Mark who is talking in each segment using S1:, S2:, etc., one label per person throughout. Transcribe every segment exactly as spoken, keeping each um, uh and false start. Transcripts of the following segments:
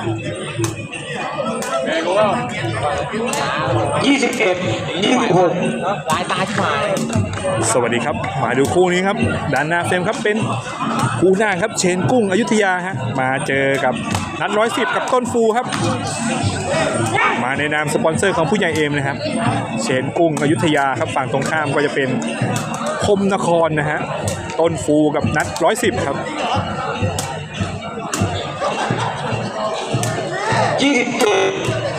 S1: ยี่สิบเอ็ดยี่สิบหกลายตาที่มา
S2: สวัสดีครับมาดูคู่นี้ครับด้านหน้าเฟรมครับเป็นคู่หน้าครับเชนกุ้งอยุธยาฮะมาเจอกับนัดร้อยสิบกับต้นฟูครับมาในนามสปอนเซอร์ของผู้ใหญ่เอ็มนะครับเชนกุ้งอยุธยาครับฝั่งตรงข้ามก็จะเป็นคมนครนะฮะต้นฟูกับนัดร้อยสิบครับ
S1: ยี่สิบเจ็ด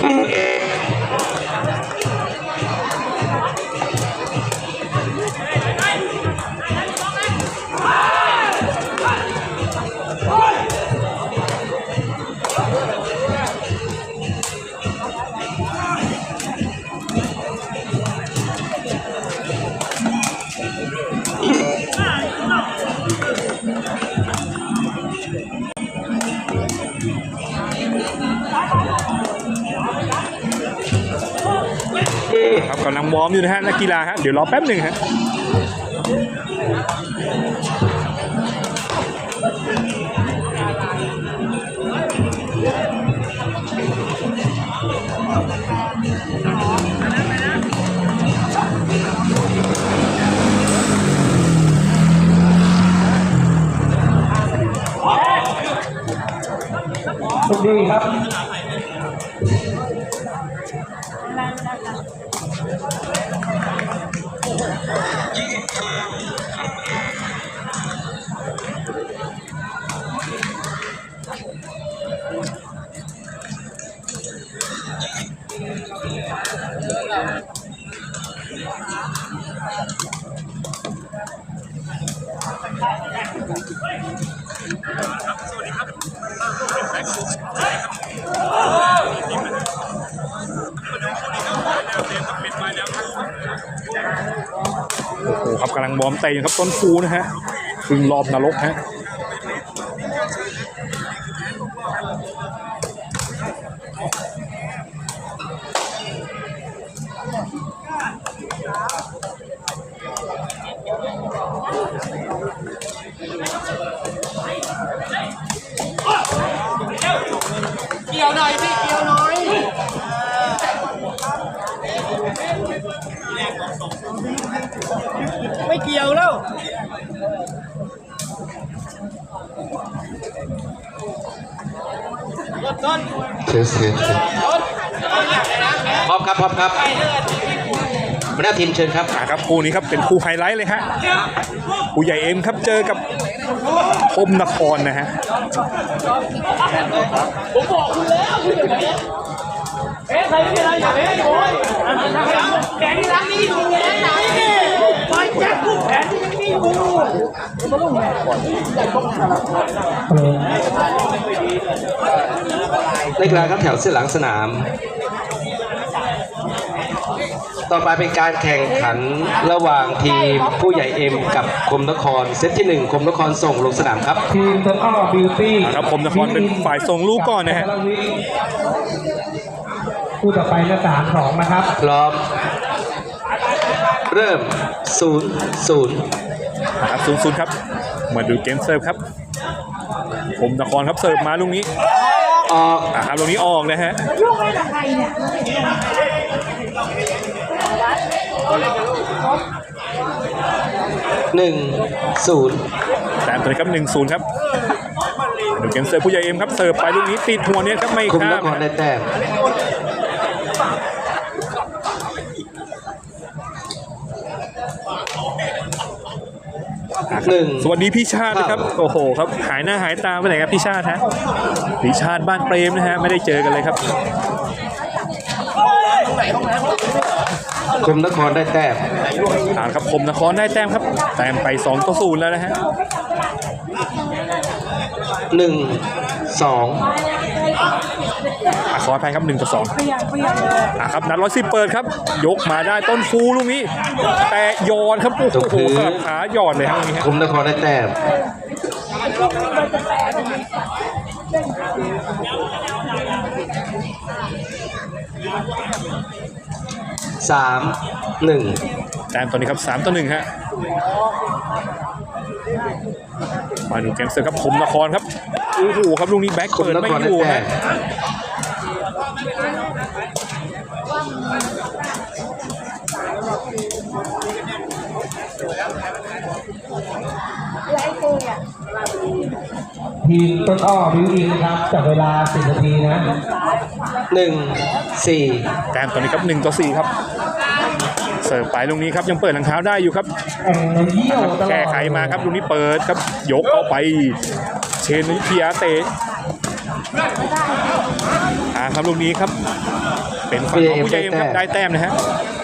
S2: ครับกำลังวอร์มอยู่นะฮะนักกีฬาฮะเดี๋ยวรอแป๊บหนึ่งฮะ
S1: สวัสดีครับ
S2: โอ้โหครับกำลังวอร์มเตะอยู่ครับต้นฟูนะฮะครึ่งรอบนรกฮะ
S1: เกี่ยวหน่อยพี่เกี่ยวหน่อยไม่เกี่ยวแล้ว
S3: เทสเทสพร้อมครับพร้อมครับหัวหน้าทีมเชิญครับ
S2: ครับคู่นี้ครับเป็นคู่ไฮไลท์เลยฮะผู้ใหญ่เอ็มครับเจอกับคมนครนะฮะ
S1: ผมบอกคุณแล้วคุณจะไปเอ๊ะใครไม่เป็นไรอย่าเอ๊ะโอ้ยแขนที่รักนี่อยู่แขนไหนไปแจ็คกูแขนที่ยังนี่อยู่
S3: นักกีฬาครับแถวเส้นหลังสนามต่อไปเป็นการแข่งขันระหว่างทีมผู้ใหญ่เอ็มกับคมนครเซตที่หนึ่งคมนครส่งลงสนามครับ
S1: ทีมตะก้อบิวตี้
S2: ครับคมนครเป็นฝ่ายส่งลูกก่อนนะฮะ
S1: คู่ต่อไปก็สามสองนะครับ
S3: พร้อมเริ่มศูนย์ศูนย์
S2: ครับศูนย์ศูนย์ครับมาดูเกมเซิร์ฟครับคมนครครับเสิร์ฟมาลูกนี้
S3: ออก
S2: อ่าครับลูกนี้ออกนะฮะ
S4: ลูกอะไรกับใครเนี่ย
S3: หนึ่งศูนย์
S2: แต่ตัวนี้ครับหนึ่งศูนย์ครับดูเกมเซิร์ฟผู้ใหญ่เอ็มครับเสิร์ฟไปลูกนี้ติดหัวเนี่ยครับไม่ข้าม
S3: คมนครได้แต้มหนึ่ง
S2: สวัสดีพี่ชาตินะครับโอ้โหครับหายหน้าหายตาไปไหนครับพี่ชาติฮะพี่ชาติบ้านเปรมนะฮะไม่ได้เจอกันเลยครับ
S3: คมนครได้แต้ม
S2: อ่าครับคมนครได้แต้มครับแต้มไปสองต่อศูนย์แล้วนะฮะ
S3: หนึ่งสอง
S2: ขออภัยครับหนึ่งต่อสองอ่าครับนัดร้อยสิบเปิดครับยกมาได้ต้นฟูลูกนี้แต่ยอนครับโอ้โหครับขาหยอดเลยครับตรงนี้
S3: คมนครได้แต้มสามหนึ่ง
S2: แต้มตอนนี้ครับสามต่อหนึ่งฮะมาดูเกมเสิร์ฟครับคมนครครับโอ้โหครับลูกนี้แบ็ค
S3: คม
S2: เปิด
S3: น
S2: ไม่
S3: คร
S2: อ
S3: ได้
S2: ยู่
S3: แต้
S2: ฮะ
S3: ม
S4: ทีมต้นอ้อบิวอินนะครับจับเวลาสิบนาทีนะ
S3: หนึ่งสี่
S2: แต้มตอนนี้ครับหนึ่งต่อสี่ครับเสิร์ฟไปลูกนี้ครับยังเปิดหลังเท้าได้อยู่ครับ
S4: แข่งในเยี่ยวตลอด
S2: แก้ไขมาครับลูกนี้เปิดครับยกเข้าไปเชนวิทยาเตะอ่าครับลูกนี้ครับเป็นฝั่งของผู้ใหญ่เอ็มครับได้แต้มนะฮะ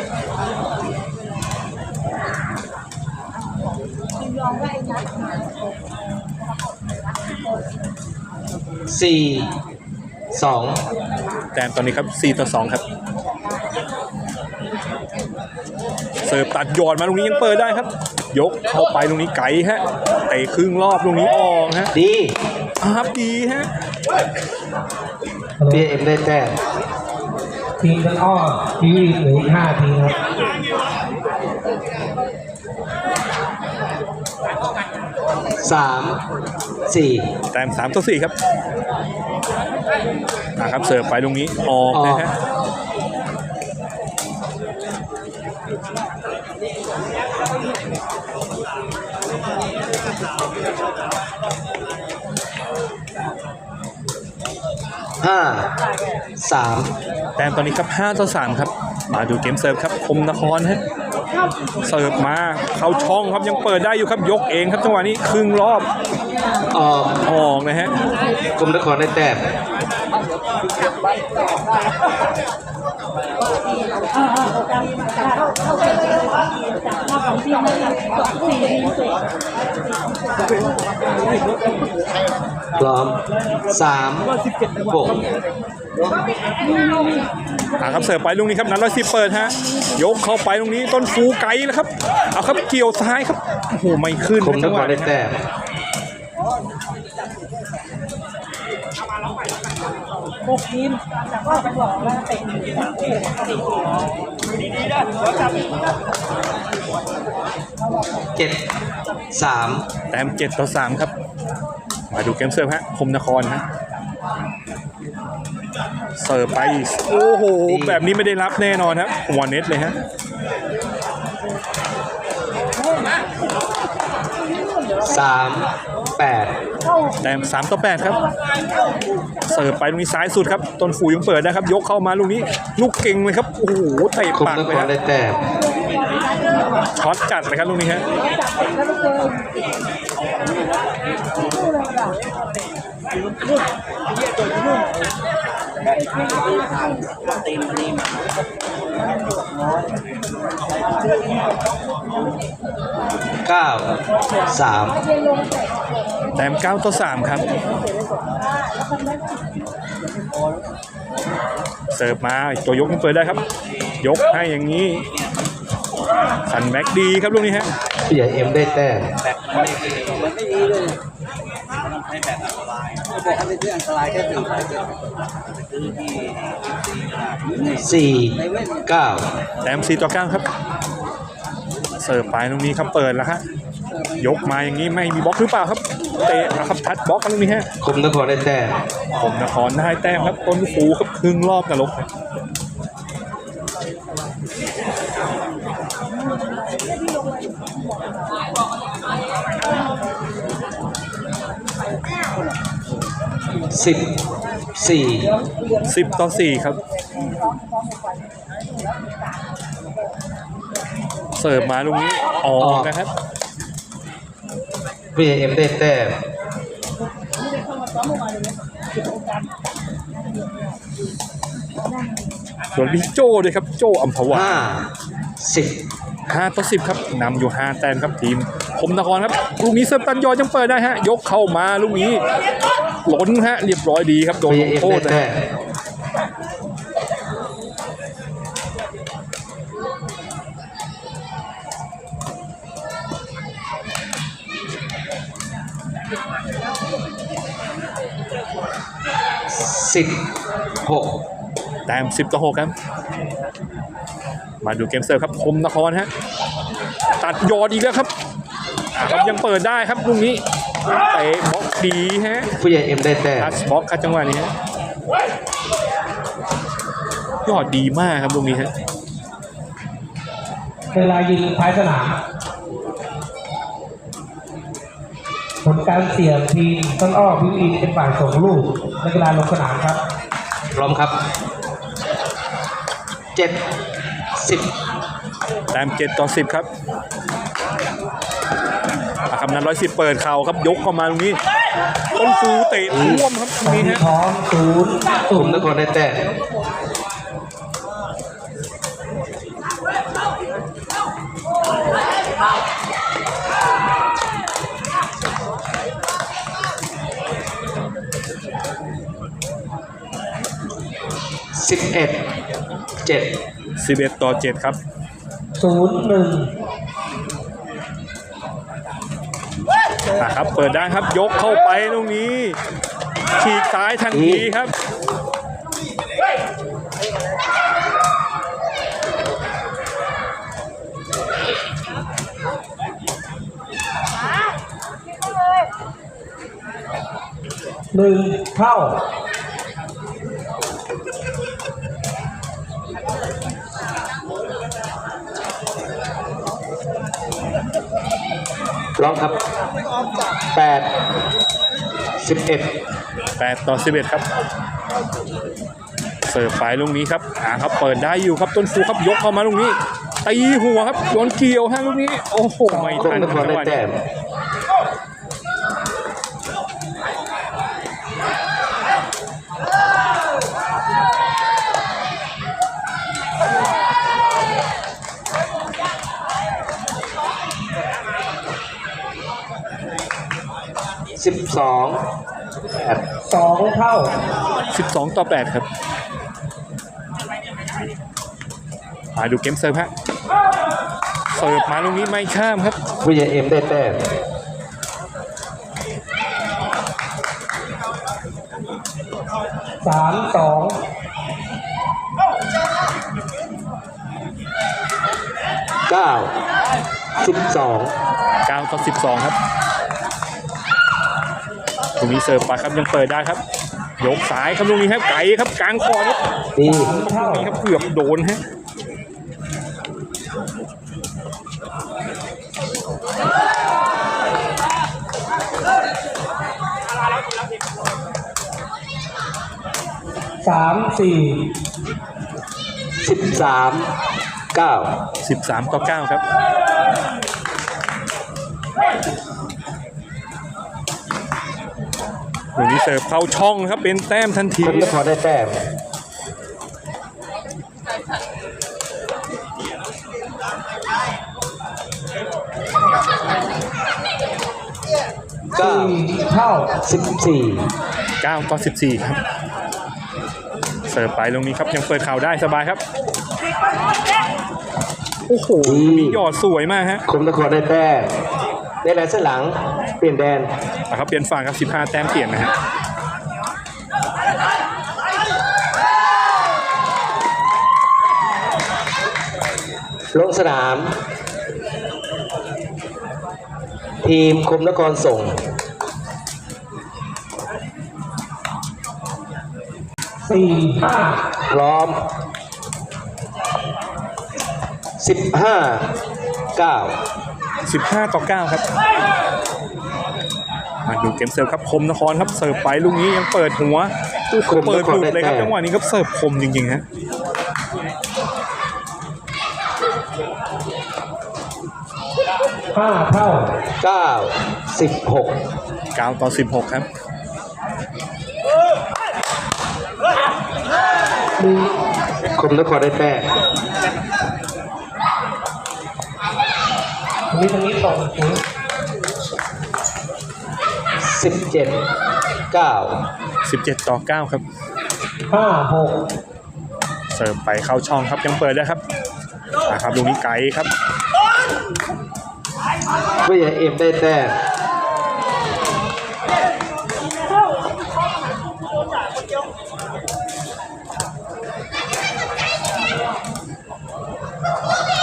S3: สี่สอง
S2: แต้มตอนนี้ครับสี่ต่อสองครับเสิร์ฟตัดยอดมาลูกนี้ยังเปิดได้ครับ ยกเข้าไปลูกนี้ไกลฮะเตะครึ่งรอบลูกนี้ออกฮะ
S3: ดี
S2: ครับดีฮะ
S3: บีเอ็มได้แต้ม
S4: ทีมต้นอ้อบิวอินเหลืออีกห้าทีครับ
S3: สามสี่
S2: แต้มสามต่อสี่ครับอ่าครับเสิร์ฟไปลูกนี้ออกนะฮะ
S3: ห้าสาม
S2: แต้มตอนนี้ครับห้าต่อสามครับมาดูเกมเสิร์ฟครับคมนครฮะเสิร์ฟมาเข้าช่องครับยังเปิดได้อยู่ครับยกเองครับจังหวะนี้ครึ่งรอบ
S3: ออก
S2: ออกนะฮะ
S3: คมนครได้แต้มพร้อมสามหก
S2: อ่าครับเสิร์ฟไปลูกนี้ครับนัดร้อยสิบเปิดฮะยกเข้าไปลูกนี้ต้นฟูไกลแล้วครับเอาครับเกี่ยวซ้ายครับโอ้โหไม่ขึ้น
S3: คมน
S2: จัง
S3: ค
S2: ห
S3: ร
S2: วะ
S3: ได้
S2: นี้
S3: แต้ม
S1: หกทีมจากว่าไปบอกว่าเตะสี่ทีดีๆนะเดี๋ยวจับ
S3: เจ็ดสาม
S2: แต้มเจ็ดต่อสามครับมาดูเกมเสิร์ฟฮะคมนครฮะเสิร์ฟไปโอ้โหแบบนี้ไม่ได้รับแน่นอนครับหัวเน็ตเลยฮะ
S3: สามแปด
S2: แต้มสามต่อแปดครับเสิร์ฟไปลูกนี้ซ้ายสุดครับต้นฟูยังเปิดนะครับยกเข้ามาลูกนี้ลูกเก่งเลยครับโอ้โหเตะ
S3: คม
S2: ปาก
S3: น
S2: เล
S3: ค
S2: ย
S3: ร
S2: ฮะ
S3: ได้แต้ม
S2: ช็อตจัดเลยครับลูกนี้ฮะ
S3: เก้าสาม
S2: แต้มเก้าต่อสามครับเสิร์ฟมาตัวยกยังเปิดได้ครับยกให้อย่างนี้สันแม็กดีครับลูกนี้ฮะ
S3: ผู้ใหญ่เอ็มได้แต้มสี่เก้า
S2: แต้มสี่ต่อเก้าครับเสิร์ฟไปตรงนี้ครับเปิดแล้วฮะยกมาอย่างนี้ไม่มีบล็อกหรือเปล่าครับเตะนะครับทัดบล็อกกันตรงนี้ฮะ
S3: คมนครได้แต้ม
S2: ผมนครได้แต้มครับต้นฟูครับครึ่งรอบนรกครับ
S3: สิบสี่
S2: สิบต่อสี่ครับเสิร์ฟมาลูกนี้ออกนะครับ
S3: ผู้ใหญ่เอ็มได้แต้ม
S2: ส่วนพี่โจ้ด้วยครับโจ้อัมพวา
S3: ห้าสิบ
S2: ห้าต่อสิบครับนำอยู่ห้าแต้มครับทีมคมนครครับลูกนี้เสิร์ฟตันยอยังเปิดได้ฮะยกเข้ามาลูกนี้ล้นฮะเรียบร้อยดีครับโดน
S3: ผู้ให
S2: ล
S3: ญ่
S2: ง
S3: เอ็ม
S2: โท
S3: ได้
S2: ษนะ
S3: แต้มสิบหก
S2: แต้มสิบต่อหกครับมาดูเกมเสิร์ฟครับคมนครฮะตัดยอดอีกแล้วครับอ่าครับยังเปิดได้ครับลูกนี้เตะบล็อกดีฮะ
S3: ผู้ใหญ่เอ็มได้แต้ม
S2: ทัชบล็อกครับจังหวะนี้ฮะยอดดีมากครับตรงนี้ฮะ
S4: เวลายิงท้ายสนามผลการเสี่ยงทีมต้นอ้อบิวอินเป็นฝ่ายส่งลูกนักกีฬาลงสนามครับ
S3: พร้อมครับเจ็ดสิบ
S2: แต้มเจ็ดต่อสิบครับอาคำนั้นร้อยสิบเปิดเข่าครับยกเข้ามาตรงนี้ต้นฟูเตะท่วมครับตรงนี้ฮะ
S4: พร้อมศูนย์
S3: กลุ่มนครได้แต้มสิบเอ็ดเจ็ด
S2: สิบเอ็ดต่อเจ็ดครับ
S4: ศูนย์หนึ่ง
S2: อ่ะครับเปิดได้ครับยกเข้าไปตรงนี้ฉีกซ้ายทันทีครับ
S4: หนึ่งเท่า
S3: ร้องครับแปดสิบเอ็ด
S2: แปดต่อสิบเอ็ดครับเสิร์ฟไปลูกนี้ครับอ่าครับเปิดได้อยู่ครับต้นฟูครับยกเข้ามาลูกนี้ตีหัวครับโยนเกี่ยวฮะลูกนี้โอ้โหไม่
S3: กลุ่
S2: ทั
S3: ม
S2: น
S3: นครได้
S2: จังหวะ
S3: แต้
S2: นี้
S3: มสิบสองแปด
S4: สองเท่า
S2: สิบสองต่อแปดครับมาดูเกมเสิร์ฟฮะเสิร์ฟมาลูกนี้ไม่ข้ามครับ
S3: ผู้ใหญ่เอ็มได้แต้ม
S4: สามสอง
S3: เก้าสิบสอง
S2: เก้าต่อสิบสองครับตรงนี้เสิร์ฟไปครับยังเปิดได้ครับยกซ้ายครับตรงนี้ครับไก่ครับกลางคอครับ
S3: ดี
S4: เท่า
S2: ตรงนี้ครับเกือบโดนฮะ
S4: สามสี่
S3: สิบสามเก้า
S2: สิบสามต่อเก้าครับตรงนี้เสิร์ฟเข้าช่องครับเป็นแต้มทันที
S3: คนนครได้แต้มเก้า
S4: สี่เท่า
S3: สิบสี่
S2: เก้าต่อสิบสี่ครับเสิร์ฟไปตรงนี้ครับยังเปิดเข่าได้สบายครับโอ้โหมีหยอดสวยมากฮะ
S3: คมนครได้แต้มได้แลนเส้นหลังเปลี่ยนแดน
S2: นะครับเปลี่ยนฝั่งครับสิบห้าแต้มเปลี่ยนนะฮะ
S3: ลงสนาม ทีมคมนครส่ง
S4: สี่ห้า
S3: พร้อมสิบห้าเก้า
S2: สิบห้าต่อเก้าครับมาดูเกมเสิร์ฟครับคมนครครับเสิร์ฟไปลูกนี้ยังเปิดหัว
S3: คม
S2: เปิ
S3: น
S2: ด
S3: ค
S2: ห
S3: ร
S2: ลุด
S3: ได้
S2: เลยครับ
S3: แต้
S2: จั
S3: ม
S2: งหวะนี้ครับเสิร์ฟคมจริงๆฮะ
S4: ห้าเท่า
S3: เก้าสิบหก
S2: เก้าต่อสิบหกครับ
S3: คมนครได้แต้ม
S4: ตรงนี้ตรงนี้ส่งศูนย์
S3: สิบเจ็ดเก้า
S2: สิบเจ็ดต่อเก้าครับ
S4: ห้าหก
S2: เสิร์ฟไปเข้าช่องครับยังเปิดได้ครับนะครับลูกนี้ไกลครับ
S3: ผู้ใหญ่เอ็มได้แต้ม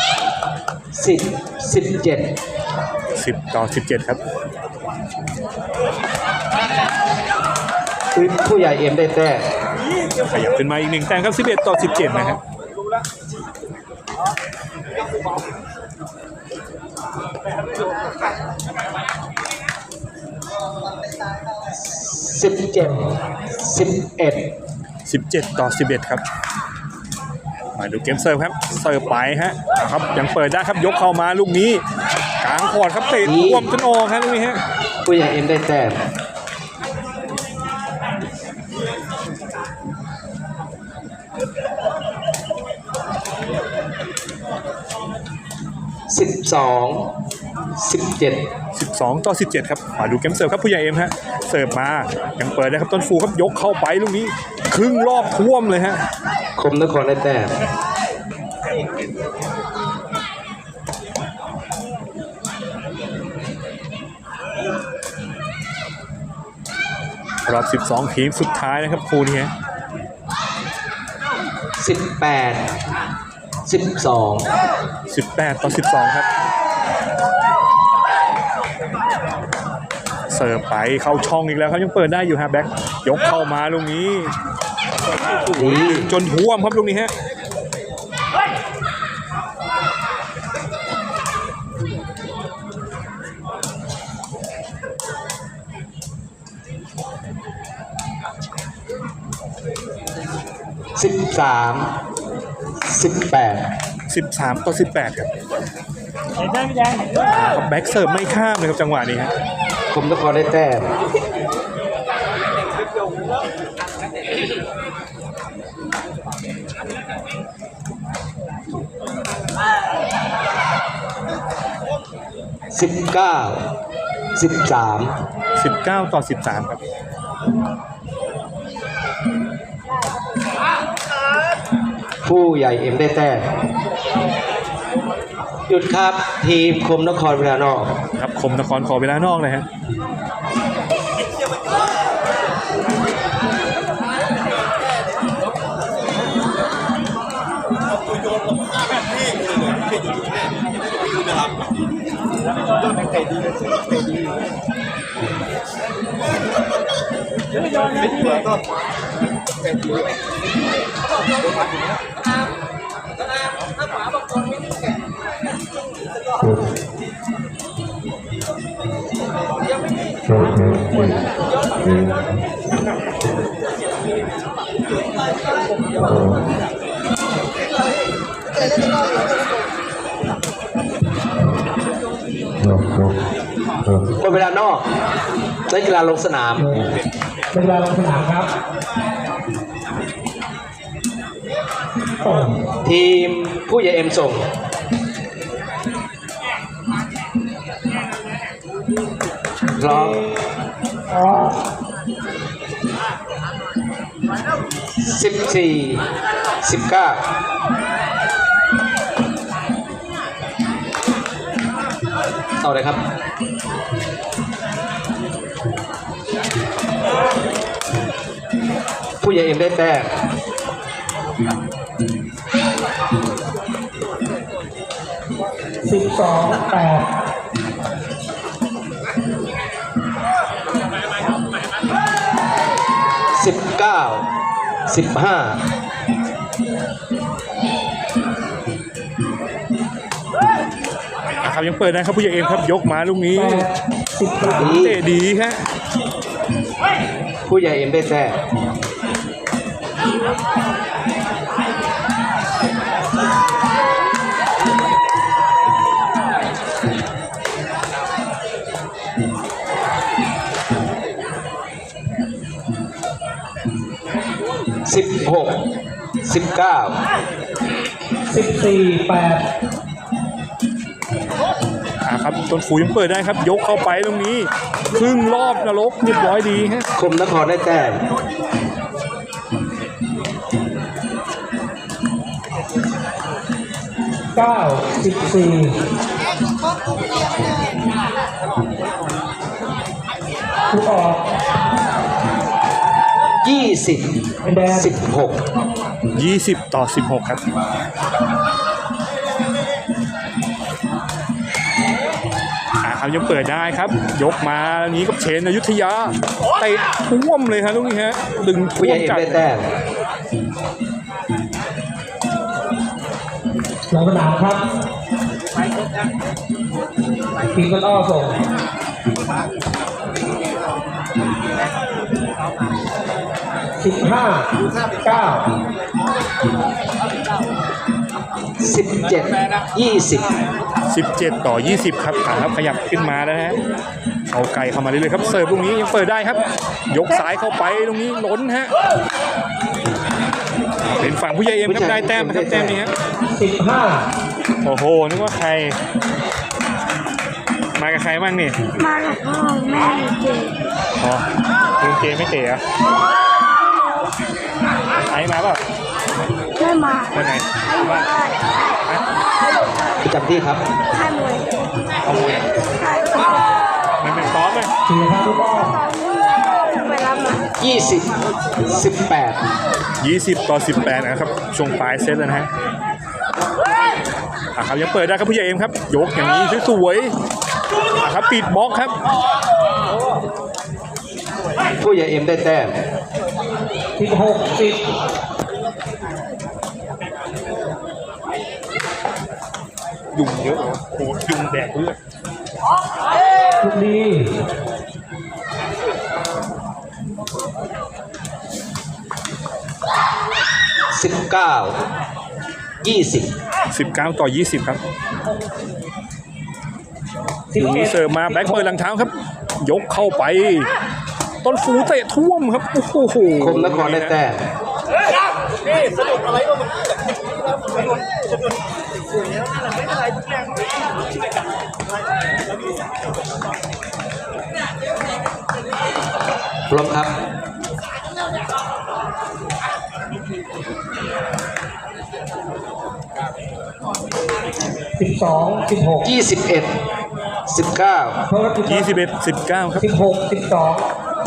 S3: สิบสิบเจ็ด
S2: สิบต่อสิบเจ็ดครับ
S3: ผู้ใหญ่เอ็มได้แต้ม
S2: ขยับขึ้นมาอีกหนึ่งแต้มครับสิบเอ็ดต่อสิบเจ็ดนะครับ
S3: สิบเจ็ดสิบเอ็ด
S2: สิบเจ็ดต่อสิบเอ็ดครับมาดูเกมเซิร์ฟครับเสิร์ฟไปฮะครับยังเปิดได้ครับยกเข้ามาลูกนี้กลางคอร์ดครับเตะท่วมจนออกครับลูกนี้ฮะ
S3: ผู้ใหญ่เอ็มได้แต้มสิบสองสิบเจ็ด
S2: สิบสองต่อสิบเจ็ดครับมาดูเกมเสิร์ฟครับผู้ใหญ่เอ็มฮะเสิร์ฟมายังเปิดได้ครับต้นฟูครับยกเข้าไปลูกนี้ครึ่งรอบท่วมเลยฮะ
S3: คมนครได้แต้ม
S2: รอบสิบสองทีมสุดท้ายนะครับคู่นี้ฮะ
S3: สิบแปดสิบสอง
S2: สิบแปดต่อสิบสองครับเสิร์ฟไปเข้าช่องอีกแล้วครับยังเปิดได้อยู่ฮะแบ็คยกเข้ามาลูกนี้
S3: ดี
S2: จนท่วมครับลูกนี้ฮะ
S3: สิบสามสิบแปด
S2: สิบสามต่อสิบแปดครับ
S1: เห็นไหมพี่แดง
S2: แบ็คเสิร์ฟไม่ข้ามเลยครับจังหวะนี้ฮะ
S3: คมนครได้แต้มสิบเก้าสิบสาม
S2: สิบเก้าต่อสิบสามครับ
S3: ผู้ใหญ่เอ็มได้แต้มหยุดครับทีมคมนครเวลานอก
S2: ครับคมนครขอเวลานอกเลยฮะ
S3: คนเวลานอกนักกีฬาลงสนาม
S4: เป็นเวลาลงสนามครับ
S3: ทีมผู้ใหญ่เอ็มส่งพร้อมสิบสี่สิบเก้าต่อเลยครับ ผู้ใหญ่เอ็มได้แต้ม
S4: สิบสองแปด
S3: สิบเก้าสิบห้า
S2: นะครับยังเปิดนะครับผู้ใหญ่เอ็มครับยกมาลูกนี้
S4: สิบสาม
S2: เตะดีฮะ
S3: ผู้ใหญ่เอ็มได้แต้มสิบหกสิบเก้า
S4: สิบสี่แปด
S2: อ่าครับต้นฟูยังเปิดได้ครับยกเข้าไปตรงนี้ครึ่งรอบนรกเรียบร้อยดีฮะ
S3: คมนครได้แต้ม
S4: เก้าสิบสี่ผู้ออก
S3: ยี่สิบ
S4: เป็นแดง
S3: สิบหก
S2: ยี่สิบต่อสิบหกครับอ่าครับครับยังเปิดได้ครับ ยกมาแล้วนี้กับเชนอยุธยาเตะท่วมเลยครับลูกนี้ฮะดึง
S3: ผู้
S2: ท่
S3: ให
S2: ว
S3: ญ่
S2: ม
S3: เอ็ม
S2: จัด
S3: ได้แต้ม
S4: ลงสนามครับทีมต้นอ้อส่งสิบห้าเก้า
S3: สิบเจ็ดยี่สิบ
S2: สิบเจ็ดต่อยี่สิบครับอ่าครับขยับขึ้นมาแล้วนะฮะเอาไก่เข้ามาเรื่อยๆครับเสิร์ฟลูกนี้ยังเปิดได้ครับ ยกซ้ายเข้าไปตรงนี้ล้นฮะเป็นฝั่งผู้ใหญ่เอ็มครับได้แต้มนะครับแต้มนี้ฮะ
S4: สิบห้า
S2: โอ้โหนึกว่าใครมากับใครบ้างนี่
S5: มากับพ่อแม่เจ
S2: อ๋อลุงเจไม่เตะเหรอไอ้มาเปล่า
S5: ไม่มา
S2: คนไหน
S5: ให้มา
S2: ฮะ
S3: ประจำที่ครับ
S5: ให้มวย
S2: เอามวย
S5: ให้
S2: มันเป็นซ้อมไหม
S4: สี่ครับลูกอ้อ
S5: ไปรับมา
S3: ยี่สิบ สิบแปด
S2: ยี่สิบต่อสิบแปดนะครับช่วงปลายเซตแล้วนะฮะอ่ะครับยังเปิดได้ครับผู้ใหญ่เอ็มครับยกอย่างนี้สวยๆอ่ะครับปิดบล็อกครับ
S3: ผู้ใหญ่เอ็มได้แต้ม
S4: สิบหกสิบ
S2: ยุงเยอะเหรอโอ้โหยุงแดกเลือด
S4: ลูกนี้
S3: สิบเก้า ยี่สิบ
S2: สิบเก้าต่อยี่สิบครับ
S4: สิบ
S2: ลูก
S4: เอ็
S2: นี้
S4: ด
S2: เสิร์ฟมาแบ็คเปิดหลังเท้าครับ ยกเข้าไป ต้นฟูเตะท่วมครับโอ้โห
S3: คมนครได้แต้ม พร้อมครับ
S4: สิบสองสิบหก
S3: ยี่สิบเอ็ด สิบเก้า
S4: เพราะว่าสิบ
S2: ยี่สิบเอ็ดสิบเก้าครับ
S4: สิบหกสิบสอง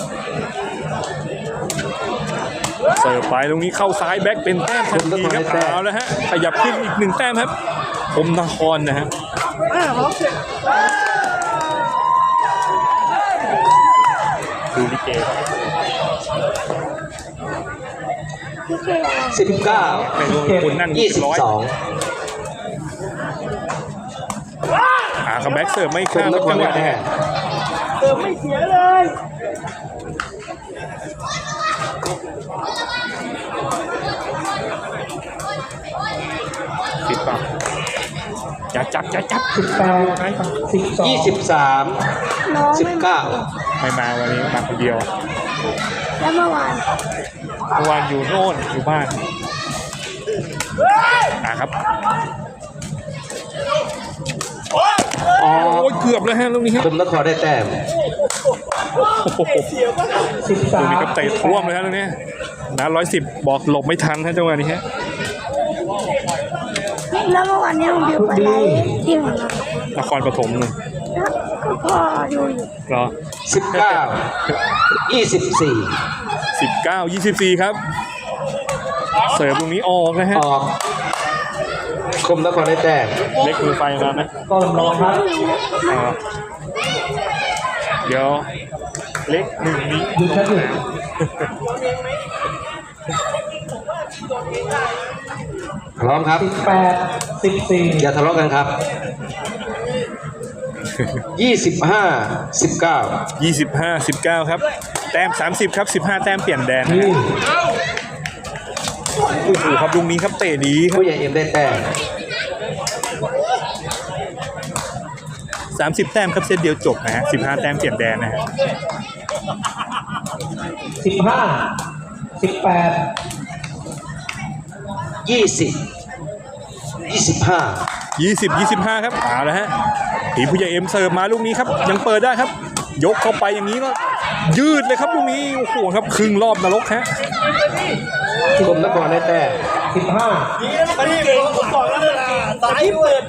S2: เสิร์ฟไปตรงนี้เข้าซ้ายแบ็คเป็นแต้มทันทีครับเอาแล้วฮะขยับขึ้นอีกหนึ่งแต้มครับคมนครนะฮะดูลิเกครับ
S5: พี่เจ
S3: สิบเก้า
S2: ไม่รู้คนนั่ง
S3: ยี่สิบ
S2: ร้อย
S3: สอง
S2: หาคัมแบ็กเสิร์ฟไม่
S3: ค
S2: ข้าม
S3: มน
S2: ครับ
S3: คร
S2: จังห
S3: ได้
S2: วะ
S3: แต้
S2: นี้
S3: ม
S1: เออไม่เสียเลย
S2: ปิดปากอย่าจับอย่าจับ
S4: สิบแปดสิบสอง
S3: ยี่สิบสาม
S5: น้อง
S3: สิบ
S5: ไม่มา
S3: เก้า
S2: ไม่มาวันนี้มาคนเดียว
S5: แล้วเมื่อวาน
S2: เมื่อวานอยู่โน่นอยู่บ้านอ่ะครับ
S3: อ๋อ
S2: โอ้ยเกือบแล้วฮะลูกนี้ฮะ
S3: คมนครได้แต้ม
S2: โอ้โห
S4: สิบสา
S2: ลูก
S4: ม
S2: นี้ก็เตะท่วมเลยฮะลูกนี้นะร้อยสิบบอกหลบไม่ทันฮะจังหวะนี้ฮะ
S5: แล้วเมื่อวานนี้ผมบิวไปไลฟ์ที่ของเรา
S2: นครปฐมเลย
S5: ก็พ่อดูอยู่
S2: รอ
S3: สิบเก้า ยี่สิบสี่
S2: สิบเก้ายี่สิบสี่ครับ เสิร์ฟตรงนี้ออกนะฮะ
S3: ออกคมนครได้แต้ม
S2: เล็กมือไฟมาไหม
S4: ก็ลองครับ
S2: อ่าเดี๋ยวเล็กหนึ่งนี้
S4: หยุดครับหยุด
S3: พร้อมครับ
S4: สิบแปดสิบสี่
S3: อย่าทะเลาะกันครับ ยี่สิบห้า สิบเก้า
S2: ยี่สิบห้าสิบเก้าครับแต้มสามสิบครับสิบห้าแต้มเปลี่ยนแดนนะ
S4: นี่
S2: ฮะโอ้โหครับลุงนี้ครับเตะดีครับ
S3: ผู้ใหญ่เอ็มได้แต้ม
S2: สามสิบแต้มครับเซตเดียวจบนะฮะสิบห้าแต้มเปลี่ยนแดนนะฮะ
S4: สิบห้าสิบแปด
S3: ยี่สิบ ยี่สิบห้า
S2: ยี่สิบยี่สิบห้าครับเอาละฮะทีมผู้ใหญ่เอ็มเสิร์ฟมาลูกนี้ครับยังเปิดได้ครับ ยกเข้าไปอย่างนี้ก็ยืดเลยครับลูกนี้โอ้โหครับครึ่งรอบนรกฮะ
S3: คมนครได้แต้ม
S4: สิบห้า
S1: มันเก่งผมบอกแล้วเวลาสายเปิด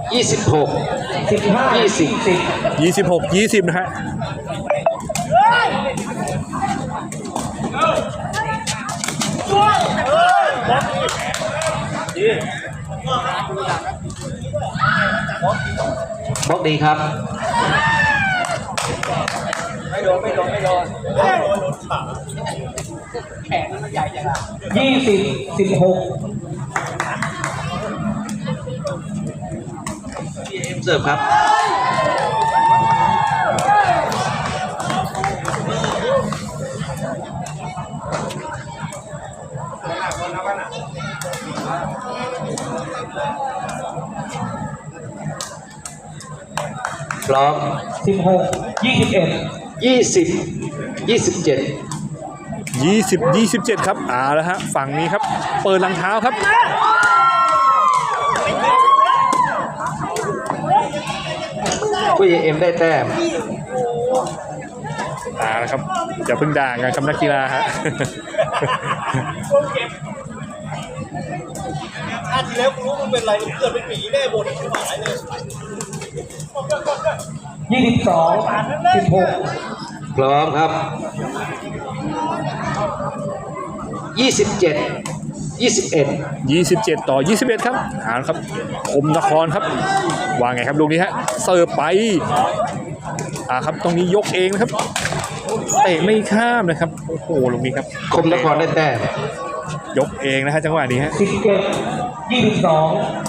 S3: ยี่สิบหก
S4: สิบห้า
S3: ยี่สิบ
S4: สิบ
S2: ยี่สิบหกยี่สิบนะฮะ
S3: บล็อกดีครับ
S4: ยี่สิบสิบหก
S3: เสิร์ฟครับ พร้อม
S4: สิบหกยี่สิบเอ็ด
S3: ยี่สิบ ยี่สิบเจ็ด
S2: ยี่สิบยี่สิบเจ็ดครับเอาแล้วฮะฝั่งนี้ครับเปิดหลังเท้าครับ
S3: ผู้ใหญ่เอ็มได้แต้ม
S2: เอาละครับอย่าเพิ่งด่ากันครับนักกีฬาฮะ
S1: อาทีแล้วกูรู้มึงเป็นไรมึงเกิดเป็นหมีแน่บนที่หายเลย
S4: ยี่สิบสองสิบหก
S3: พร้อมครับ ยี่สิบเจ็ด ยี่สิบเอ็ด
S2: ยี่สิบเจ็ดต่อยี่สิบเอ็ดครับเอาละครับคมนครครับวางไงครับลูกนี้ฮะเสิร์ฟไปอ่าครับตรงนี้ยกเองนะครับเตะไม่ข้ามนะครับโอ้โหลูกนี้ครับ
S3: คมนครได้แต้ม
S2: ยกเองนะฮะจังหวะนี้ฮะ
S4: สิบเจ็ดยี่สิบสอง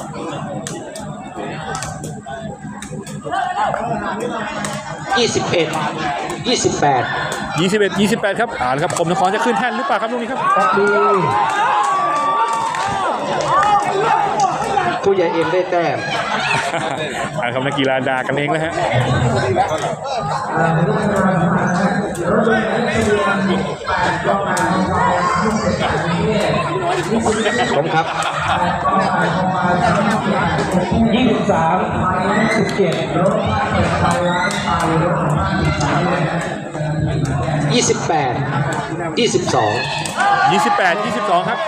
S3: ยี่สิบเอ็ด ยี่สิบแปด
S2: ยี่สิบเอ็ดยี่สิบแปดครับเอาละครับคมนครจะขึ้นแท่นหรือเปล่าครับลูกนี้ครับ
S4: ตัดดี
S3: ผู้ใหญ่เอ็มได้แต้ม
S2: เอาละครับนักกีฬาด่ากันเองแล้วฮะ
S3: ผมครับ
S4: ยี่สิบสามสิบเจ็ด
S3: ยี่สิบแปด ยี่สิบสอง
S2: ยี่สิบแปดยี่สิบสองครับ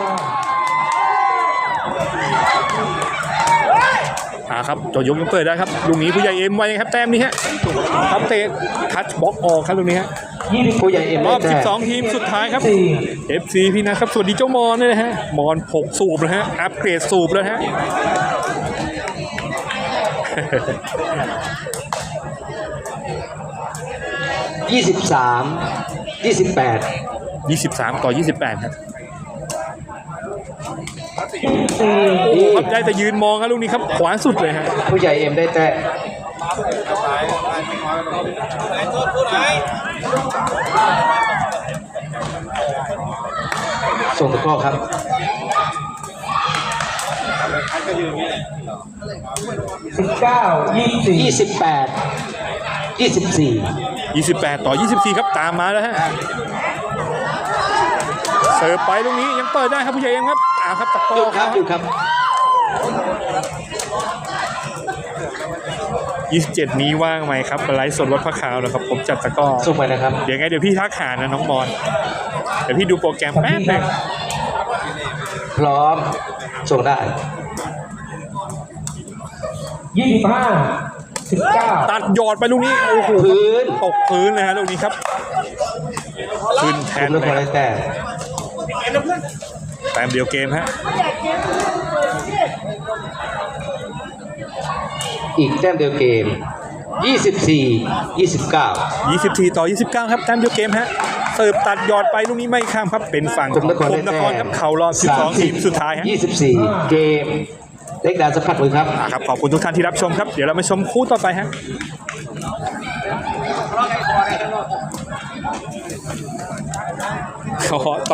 S2: อ่าครับจอยกยังเปิดได้ครับลูกนี้ผู้ใหญ่เอ็มไว้ครับแต้มนี้ฮะครับเตะทัชบล็อกออกครับลูกนี้ฮะ
S4: ยี่สิบ
S3: ผู้ใหญ่เอ็ม
S2: ร
S3: ได้
S2: อบ
S3: แต้ม
S2: สิบสองทีมสุดท้ายครับ
S4: สี่
S2: เอฟ ซี พี่นะครับสวัสดีเจ้ามอนด้วยนะฮะมอนหกสูบนะฮะอัปเกรดสูบแล้วฮะ
S3: ยี่สิบสาม ยี่สิบแปด
S2: ยี่สิบสามต่อยี่สิบแปดครับ
S4: สี่
S2: โอ้ครับได้แต่ยืนมองครับลูกนี้ครับขวาสุดเลยฮะ
S3: ผู้ใหญ่เอ็มได้แต้มส่งตะกร้อครับ
S4: สิบเก้ายี่สิบสี่
S3: ยี่สิบแปด ยี่สิบสี่
S2: ยี่สิบแปดต่อยี่สิบสี่ครับตามมาแล้วฮะเสิร์ฟไปลูกนี้ยังเปิดได้ครับผู้ใหญ่เอ็มครับอ่าครับตะก
S3: หยุ
S2: ร้อ
S3: ด
S2: ค
S3: ครั
S2: รั
S3: บบ หยุดครับ
S2: ยี่สิบเจ็ดนี้ว่างไหมครับไลฟ์สดรถพระขาวนะครับผมจัดตะกร้อ
S3: ส่งไปนะครับ
S2: เดี๋ยวไงเดี๋ยวพี่ทักหานะน้องมอนเดี๋ยวพี่ดูโปรแกรมแป๊บหนึง
S3: พร้อม ส่งได้
S4: ยี่สิบห้าสิบเก้า
S2: ตัดหยอดไปลูกนี้โอ้โห
S3: พื้น
S2: ตกพื้นเลยฮะลูกนี้ครับขึ้นแท
S3: ค
S2: น
S3: มน
S2: เลย
S3: คร
S2: ครั
S3: ได้
S2: บ
S3: แต้ม
S2: แต้มเดียวเกมฮะ
S3: อีกแต้มเดียวเกม ยี่สิบสี่ ยี่สิบเก้า
S2: ยี่สิบสี่ต่อยี่สิบเก้าครับแต้มเดียวเกมฮะเสิร์ฟตัดหยอดไปลูกนี้ไม่ข้ามครับเป็นฝั่ง
S3: คมนคร
S2: ค
S3: ได้
S2: มน
S3: แต้
S2: ครครับเข่ารอบสิบสองทีมสุดท้ายฮะ
S3: ยี่สิบสี่ เกม เล็กดานสัมผัสมือครับ
S2: อ่ะครับขอบคุณทุกท่านที่รับชมครับเดี๋ยวเรามาชมคู่ต่อไปฮะขอ